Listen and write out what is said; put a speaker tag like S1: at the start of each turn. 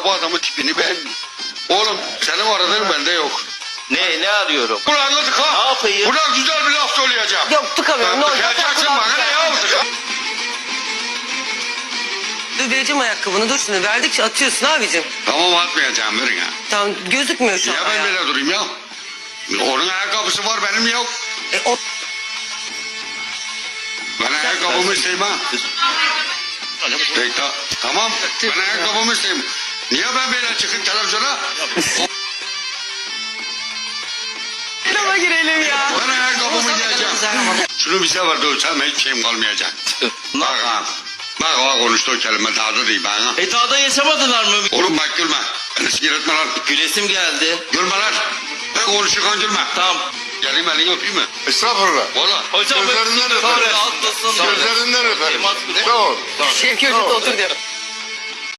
S1: bu adamın tipini beğenmiyorum. Oğlum senin aradığın bende yok.
S2: Ne arıyorum?
S1: Kulağını tıka.
S2: Ne yapayım?
S1: Buna güzel bir laf söyleyeceğim.
S3: Yok tıkamıyorum. Ne olacak?
S1: Tıkayacaksın bana ne ya?
S3: Dur vereceğim ayakkabını. Dur şunu. Verdikçe atıyorsun abicim.
S1: Tamam atmayacağım verin ya.
S3: Tamam gözükmüyor şu an.
S1: Ya ben
S3: ayağı.
S1: böyle durayım ya. Onun ayakkabısı var benim yok.
S3: O...
S1: Ben ayakkabımı isteyeyim ha. Peki tamam. Ben ayakkabımı isteyeyim. Niye ben böyle çıkıp televizyona?
S3: Sınava girelim ya.
S1: Ben ayakkabımı giyeceğim. Şunu bize ver dövsem hiç şeyim kalmayacak. Bak ha. Bak konuştuğu kelime dağda değil bana.
S2: Dağda yaşamadılar mı?
S1: Oğlum bak gülme. Beni sinir etme lan.
S2: Gülesim geldi.
S1: Gülme lan. Ben konuşurken gülme.
S2: Tamam.
S1: Geleyim elini öpeyim mi?
S4: Estağfurullah.
S1: Valla.
S2: Hocam
S4: Gözlerinden öperim.
S2: Rahatlasın.
S4: Gözlerinden öperim. Sağ ol.
S3: Şevki Hoca da otur diyor.